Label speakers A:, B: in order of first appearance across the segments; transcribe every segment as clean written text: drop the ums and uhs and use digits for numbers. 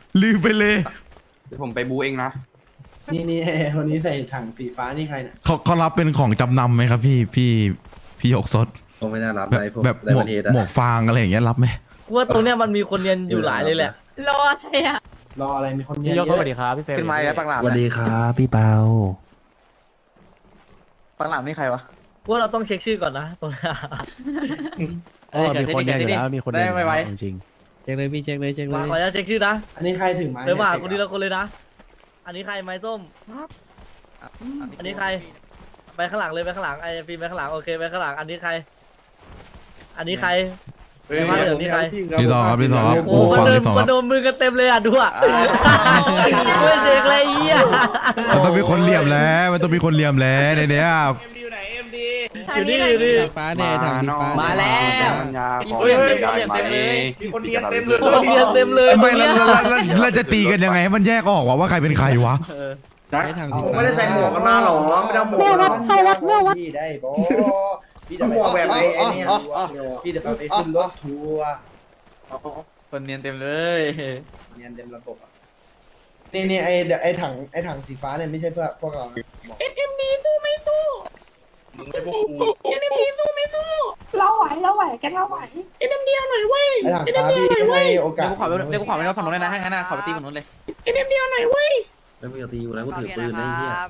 A: ลืมไปเลย
B: เดี๋ยวผมไปบูเองนะ
C: นี่คนนี้ใส่ถังสีฟ้านี่ใครเนี่ย
A: เขารับเป็นของจำนำไหมครับพี่หยกสด
D: คงไม่น่ารับ
A: แบบ
D: ได้พวก
A: แบบ
D: ใน
A: หมว
D: ป
A: ก
D: ระเทศอะ
A: หมวกฟางอะไรอย่างเงี้ยรับไหม
E: กูว่าตรงเนี้ยมันมีคนเรียนอยู่หลายเลยแหละ
F: รออะไรอ่ะ
C: รออะไรมีคนเย
G: พี่
C: อะ
G: ยกสวัสดีครับพี่เฟรม
B: ขึ้นมาแล้วปังหลาม
D: สวัสดีครับพี่เปา
B: ปังหลามนี่ใครวะ
E: กูว่าเราต้องเช็คชื่อก่อนนะตรงนี้
G: มีคนเรียนอยู่แล้วมีคนเรียนอยู่แล้วจริง
H: เช็คเลยพี่เช็คเลยเช็คเล
E: มาย ขออนุญาตเช็คชื่อนะ
C: อันนี้ใครถือไม้
E: เดี๋ยวมาหาคนทีละคนเลยนะ อันนี้ใครไม้ส้ม อันนี้ใคร ไปข้างหลังเลยไปข้างหลังไอ้ฟิล์มไปข้างหลังโอเคไปข้างหลังอันนี้ใคร อันนี้ใคร มาเหลืองนี่ใคร
A: พี่ซอครับพี่ซอครับ
E: โอ้
A: หมวก
E: มัน
A: ฟาง
E: เดิน
A: พี่ซอค
E: มั
A: รั
E: น
A: บ
E: โดนมือกันเต็มเลยอ่ะดูอ่ะไม่เช็คเลยอ่ะ
A: มันต้องมีคนเหลี่ยมแล้วมันต้องมีคนเหลี่ยมแล้วในเนี้ย
E: อยู่นี่อยู่นี่
H: สีฟ้าเนี่ยถังสีฟ้า
B: มาแล้ว
E: เฮ้ยเต็มเลย
B: มีคนเรียนเต็มเลย
E: โอ้เรียนเต็มเลย
A: ไม่แล้วจะตีกันยังไงให้มันแยกออกว่าใครเป็นใครวะ
H: ใช้ถังสี
D: ผม
H: ฟ้า
D: ไม่ได้ใส่หมวกกันมาหรอไม่ได้หมวก
C: พี่ได้บอพี่
D: หมวกแบบไอ้เนี่ย
C: พี่จะไปขึ้นรถทัวร์
B: คนเรียนเต็มเลย
C: เรียนเต็มระบบอ่ะนี่ไอ้ถังสีฟ้าเนี่ยไม่ใช่เพื่อพวกเรา
F: SMD สู้ไม่สู้
B: มึงไม่พวกกู
F: SMD สู้ไม่สู้ เราไหวแกเราไหว SMD เอาหน่อยเว้ย
C: ไอ้ถังฟ้าพี่ให้โอกาส
B: เดี๋ยวกูขอไปฝั่งนู้นเลยนะให้งั้นนะขอไปตีฝั่งนู้นเลย
F: SMD เอาหน่อยเว้ย
D: แล้วมึงจะตีกูแล้วกูถือปืนได้เหี้ย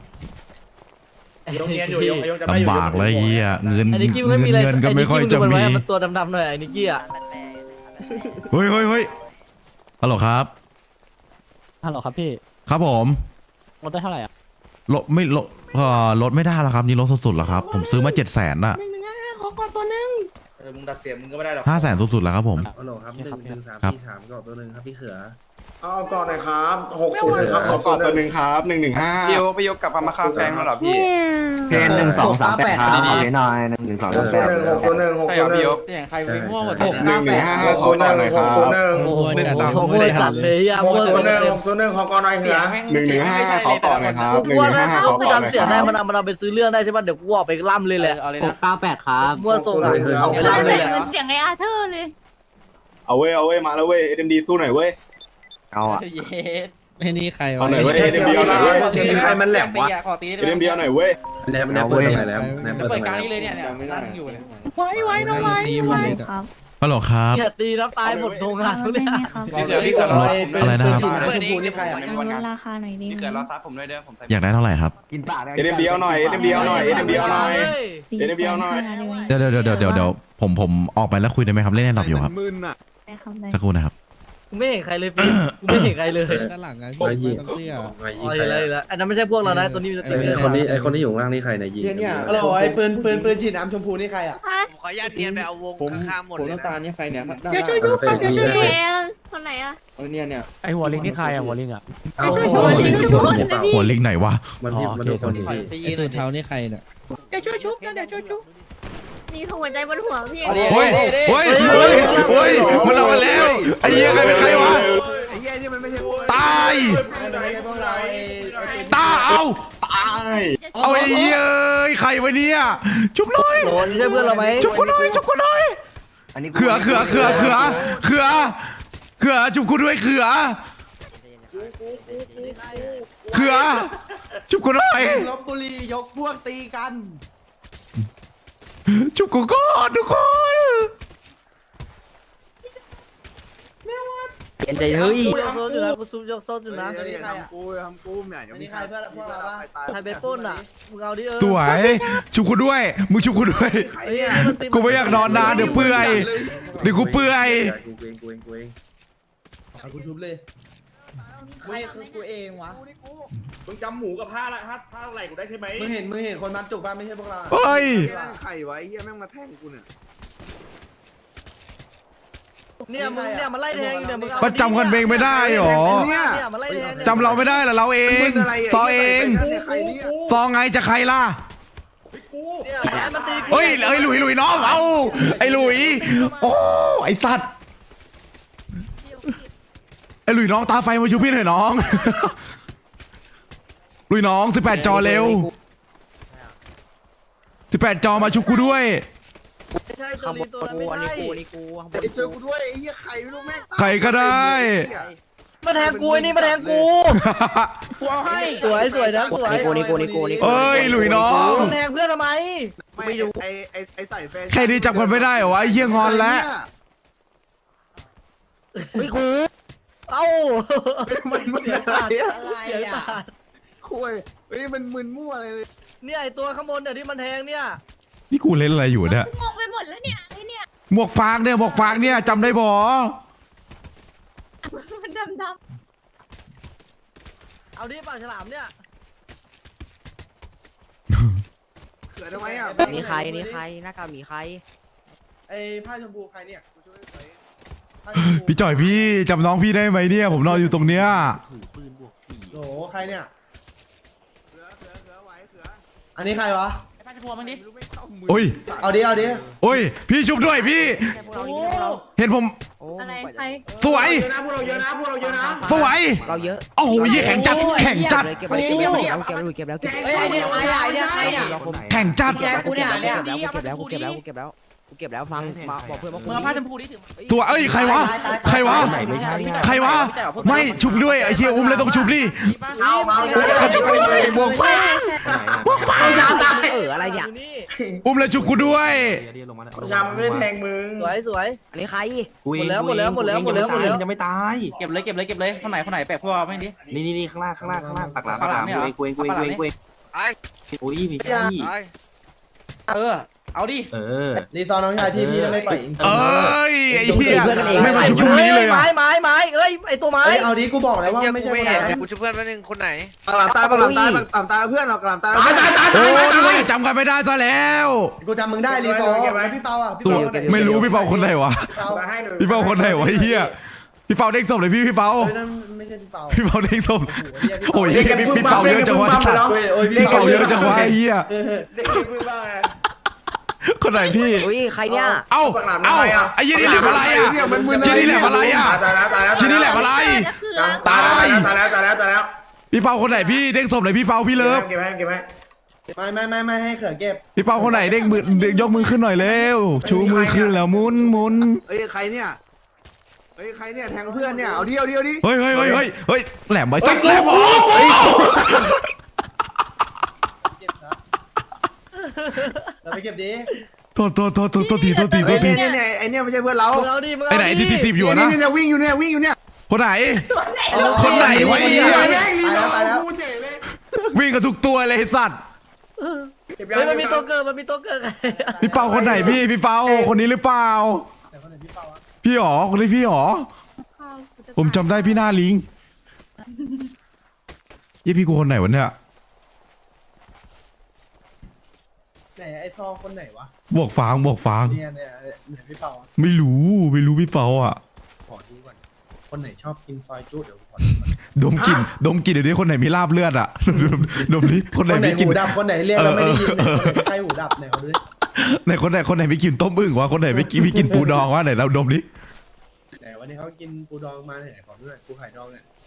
A: ลำบากเลยเฮียเงิน
E: ไอ้นิกกี้มันไม่มีอะไร
A: เงินก็ไม่ค่อยจะมี
E: มันตัวดำๆหน่อยไอ้นิกกี้อ่ะ
A: เฮ้ยฮัลโหลครับ
G: ๆฮัลโหลครับพี่
A: ครับผม
G: ลดได้เท่าไหร่อ่ะ
A: ลดไม่ลดลดไม่ได้แล้วครับนี่ลดสุดๆแล้วครับผมซื้อมา700,000น่ะ
F: 115ขอก่อนตัวนึง
B: มึงดัดเสียงมึงก็ไม่ได้หรอก
A: 500,000สุดๆแล้วครับผม
D: ฮัลโหลครับ113
A: ครับ
D: พี่ถามก่อนตัวนึงครับพี่เขือ
I: เอาก่อนหน่อยครับ60ครับขอก่อนตัวหนึ่งครับ115
B: พี่ยกกลับมาคาแฟงแล้วเหรอพี่
I: เทน1-2-3-8ครับขอให้หน่อย1-2-3-8
D: 601
B: ใช่เหรอพี่ยก
G: ใครไปมั่วหมด
I: 1-1-5ขอก่อนหน่อยครับ
H: โอ้โหจัด
E: โอ้โหจัดเลยอ่ะ
D: 601ขอก่อนหน่อยเขือ
I: 1-1-5ขอก่อนหน่อยครับ
E: กูว่าถ้า
I: 1-1-5ข
E: เขา
I: อ
E: กู
I: ก่อนหน่อย
E: จำเสียง
I: ค
E: ได้
I: รับ
E: มันเอาไปซื้อเรื่องได้ใช่ป่ะเดี๋ยวกูออกไปล่ำเลยแหละ
G: เอาเลยนะ98ครับ
E: มั่วส่งอ่ะเอาไปล่ำเลยแหละ
F: เหมือนเสียงไอ้อาเธอร์เลย
I: เอาเว้ยมาแล้วเว้ย SMD สู้หน่อยเว้ยเอาอ่ะ
G: เย็ด
H: ไอ้นี่ใครวะ
I: เอาหน่อยเว้ย SMD เอาหน่อยเว้ย
D: ใครมันแหลมวะ
G: ขอตีได้
I: SMD เอาหน่อยเว้ย
D: แนบเปิดตรงไหนแล้วแนบเปิดต
G: เปิ
D: ร
G: ด
D: ง
G: ก
D: ไหน
G: ลาง
D: แล้ว
G: นี้เลยเนี่ยนั่งอยู่เนี่ย
F: ไว้น้องไว้
H: ตีหมดเลยอะ
A: ฮัลโหลครับ
E: อย่าตีนะตายหมดโรงงานทุกเนี่ย
B: พี่เขือพี่เขือรอ
A: อะไรนะครับ
C: ชมพูนี่ใครอ่ะ
F: ราคาหน่อยดิ
B: พี่เขือรอซับผมด้วยเด้อผมใส่
A: อยากได้เท่าไหร่ครับ
I: SMD เอาหน่อย SMD เอาหน่อย SMD เอาหน่อย SMD เอาหน่อย
A: เดี๋ยวผมออกไปแล้วคุยได้ไหมครับเล่นแน่นอนอยู่ครับสักครู่นะครับ
E: กูไม่เห็นใครเลยฟิล์มกูไม่เห็นใครเลย
H: ด้านหลังไง
D: ไอ้ยิง
H: เสื้อ
D: ไอ้ยิ
E: อ๋
D: ง
E: อ
D: ใคร
E: อะไรละอันนั้นไม่ใช่พวกเรานะตัวนี้มันจะติด
D: ไอ้คนที่อยู่ข้างล่างนี่ใครเนี่ยยิง
C: ฮัลโหลไอ้ปืนฉีดน้ำชมพูนี่ใครอ่ะ
F: ฮะ
G: ขออนุญาตเทียนไปเอาวงข้างๆหมดเลยนะ
F: เดี๋ยวช่วยดูก่อนเดี๋ยวช่วยดูคนไหนอ่ะ
G: ไอหัวลิงนี่ใครอ่ะหัวลิงอ่ะ
D: เอา
A: หัวลิงไหนวะ
D: มันพี่มันดูคนที่
H: ไอ้สูทเทานี่ใครเนี่ย
F: เดี๋ยวช่วยชุบนะเดี๋ยวช่วยชุบมีหัวใจบนหัวพี่
A: เฮ้ยมันเอามาแล้วไอ้เหี้ยใครเป็นใครวะตายเอาไอ้เหี้ยใครวะเนี่ยชุบหน่อย
E: โหนี่ใช่เพื่อนเราไหม
A: ชุบกูหน่อยเขือชุบกูด้วยเขือชุบกูหน่อย
C: ลบบุรียกพวกตีกัน
A: ชุบกูก่อนทุกคน
E: เปลี่ยนใจเฮ้ยโซนอยู่นะกูซุปยกโซนอยู่นะ
C: อันนี้ใครอ่ะ
I: ทำกูเนี่ย
C: อันนี้ใครเพื่อนพวกเราปะ
E: ใครไปปล้นอ่ะมึงเอาดิ
A: สวยชุบกูด้วยมึงชุบกูด้วยกูไม่อยากนอนนานเดี๋ยวเปื่อยเดี๋ยวกูเปื่อย
D: กูเอง
C: เอากูชุบเลย
G: ใครคือกูเองวะ
B: มึงจำหมูกับผ้าละผ้าอะไรกูได้ใช่ไหม
C: มึงเห็นคนมัดจุกป่ะไม่ใช่พวกเรา
A: เฮ้ย
I: ไข่ไว้เฮียแม่งมาแทงกูเนี่ย
E: เนี่ยมึงเนี่ยมันไล่แทงอยู่เนี่ยมึงเอา
A: มันจำกันเองไม่ได้หรอ
E: เนี่ยมันไล่แทง
A: จำเราไม่ได้เหรอเราเองซอเอง
I: ใครเนี่ย
A: ซอไงจะใครล่ะ
E: เนี่ยมันตีกู
A: เฮ้ยหลุยน้องเอาไอ้หลุยโอ้ไอ้สัตว์ไอ้หลุยน้องตาไฟมาชูพี่หน่อยน้องหลุยน้อง18 จอเร็ว18 จอมาชุบกูด้วย
E: ไม่ใช่ตัวนี้ตัวนั้นไม่ใช่
I: ไอ้เจอกูด้วยไอ้เหี้ยไข่ไม่รู้แม่ง
A: ใครก็ได้
E: มาแทงกูไอ้นี่มาแทงกูสวยสวยนะสวย
A: เอ้ยหลุยน้อง
E: มึงแทงเพื่อนทำไม
C: ไม่รู้ไอ้ใส่แฟน
A: แค่นี้จำคนไม่ได้เหรอวะไอ้เหี้ยงอนแล้ว
E: ไม่กูเอ้า
C: มัน
E: เสีย
C: อะไร
E: ตัด
C: อะ
E: เสียตัด
C: คุยเฮ้ยมันมึนมั่วอะไรเลย
E: เนี่ยไอตัวข้างบนเนี่ยที่มันแทงเนี่ย
A: นี่กูเล่นอะไรอยู่เนี่ย
F: งงไปหมดแล้วเนี่ยไอ้เนี่ย
A: หมวกฟางเนี่ยหมวกฟางเนี่ยจำได้บ่
F: มันดำ
E: เอาดิปากฉลามเนี่ย
C: เกิดทำไมอ่ะ
J: นี่ใครนี่ใครหน้ากากหมีใคร
C: ไอ้ผ้าชมพูใครเนี่ยกูช่วยใส่ผ้าชมพู
A: พี่จ่อยพี่จำน้องพี่ได้ไหมเนี่ยผมนอนอยู่ตรงเนี้ย
C: โหใครเนี่ยเขือไว้เขืออันนี้ใครวะ
A: โอ้ย
C: เอาดิเอาดิ
A: โอ้ยพี่ชุบด้วยพี่
J: พวกเรานี่พวกเรา
A: เห็นผม
J: โอ้
F: ๆอะไรใคร
A: สวย
C: พวกเราเยอะนะพวกเราเยอะนะ
A: สวย
J: เราเยอะ
A: โอ้โหยี่แข็งจัดแข็งจัด
J: เก็บแล้วเก็บแล้วเก็บแล้วเก็บแล้วเก็บแล้ว
C: เฮ้ยไอ้เนี่ยใครอ่ะไอ้เนี่ยใครอ่ะ
A: แข่งจัด
J: เก็บแล้วกูเก็บแล้วกูเก็บแล้วกูเก็บแล้วกูเก็บแล้วฟังมาบอกเพื่อนว่ามึงผ้าชมพูดิ
A: สวยเอ้ยใครวะใครวะใครวะไม่ชุบด้วยไอ้เฮียอุ้มเลยต้องชุบดิ
C: เอามา
A: บวกฟ้าบวกฟ้า
J: อะไรเนี่ย
E: อยู่นี่
A: อุ้มเลยชุบกูด้วย
C: ชามไม่ได้แทงมึง
E: สวยสวย
J: อันนี้ใคร
E: หมดแล้วหมดแล้วหมดแล้วหมดแล้วหมดแล้ว
I: ยังไม่ตาย
B: เก็บเลยคนไหนแปลกพวกไม่ดิ
I: นี่ข้างล่างปากหลาม
B: ปากหลามเนี่ยเหรอ
I: กูเองโอ้ยมีแค่นี้
B: เอาดิ
C: รีซอร์น้องชายพี่จะไม่ปล่อยอินเตอ
A: เอ
C: ร์
A: ้ยไอ้เฮียไม่มาชุบตรงนี้เลย
E: ไม้
A: อ่ะ
E: ไม้ไม้เอ้ยไอตัวไม้
C: เฮ้ยเอาดิกูบอกแล้วว่าไม่ใช่คนไหน
H: กูช่วยเพื่อนมาหนึ่งคนไหน
C: ปากหลามตายปากหลามตายปากหลามตายเพื่อนเราปากหลามตาย
A: โอ้ยจำกันไม่ได้ซะแล้ว
C: กูจำมึงได้รีซอร์พี่เปาอ่ะพี่
A: ตัว
C: เปา
A: ไม่รู้พี่เปาคนไหนวะพี่เปาคนไหนวะไอ้เฮียพี่เปาเด้งศพเลยพี่เปา
C: เฮ้ยนั่นไม่ใช่พี่เปา
A: พี่เปาเด้งศพโอ้ยพี่เปาเยอะจังวะสัตว์
C: โอ้ย
A: พี่เปาเยอะจังวะไอ้เฮีย
C: เด็กมึงบ้าไง
A: คนไหนพี่
J: อุ้ยใครเนี่ย
A: เอ้าไอ้ยี่นี่แหลมอะไรอ่ะยี่นี่แหลมอะไรอ่ะ
C: ตายแล้ว
A: ยี่นี่แหลมอะไร ตาย
C: ตายแล้ว
A: พี่เปาคนไหนพี่เด้งศพเลยพี่เปาพี่เลิฟ
C: เก็บไว้ไม่ให้เขือเก็บ
A: พี่เปาคนไหนเด้งมือยกมือขึ้นหน่อยเร็วชูมือขึ้นแล้วหมุน
C: เฮ้ยใครเนี่ยแทงเพื่อนเนี่ยเอาดิ
A: เฮ้ยแหลมไปสักแหลมโอ้
C: เราไปเก็บดิ
A: โทษที
C: เนี่ยไอเนี่ยไม่ใช่เพื่อนเรา
E: มึงเอาดิมึง
A: ไอ้ไหนที่ทีบอยู่นะ
C: เนี่ยวิ่งอยู่เนี่ย
A: คนไหนคนไหนวะไอ้เหี้ย
C: ตายแล้ว
A: วิ่งกับทุกตัวเลยไอ้สัตว์
E: เฮ้ยมันมีตัวเกิด
A: พี่เปาคนไหนพี่เปาคนนี้หรือเปล่าพี่หรอคนนี้พี่หรอผมจำได้พี่หน้าลิงยี่พี่กูคนไหนวะเนี่ย
C: ไหนไอซอคนไหนวะ
A: บวกฟาง
C: เนี่ยพี่เปา
A: ไม่รู้พี่เปาอ่ะ
C: ขอดูก่อนคนไหนชอบกินซอยจุ๊เดี๋ยวขอ
A: ดมกลิ่นเดี๋ยวนี้คนไหนมีลาบเลือดอ่ะดมนี้คนไหนมีกลิ่น
C: หูดับคนไหนเรียกแล้วไม่ได้ยินใครหูดับไหนเขาดู
A: ไหนคนไหนมีกลิ่นต้มอึ่งวะคนไหนมีกลิ่นปูดองวะไหนเราดมนี้
C: ไหนวันนี้เขากินปูดองมาไหนขอดูหน่อยปูไข่ดองเนี่ย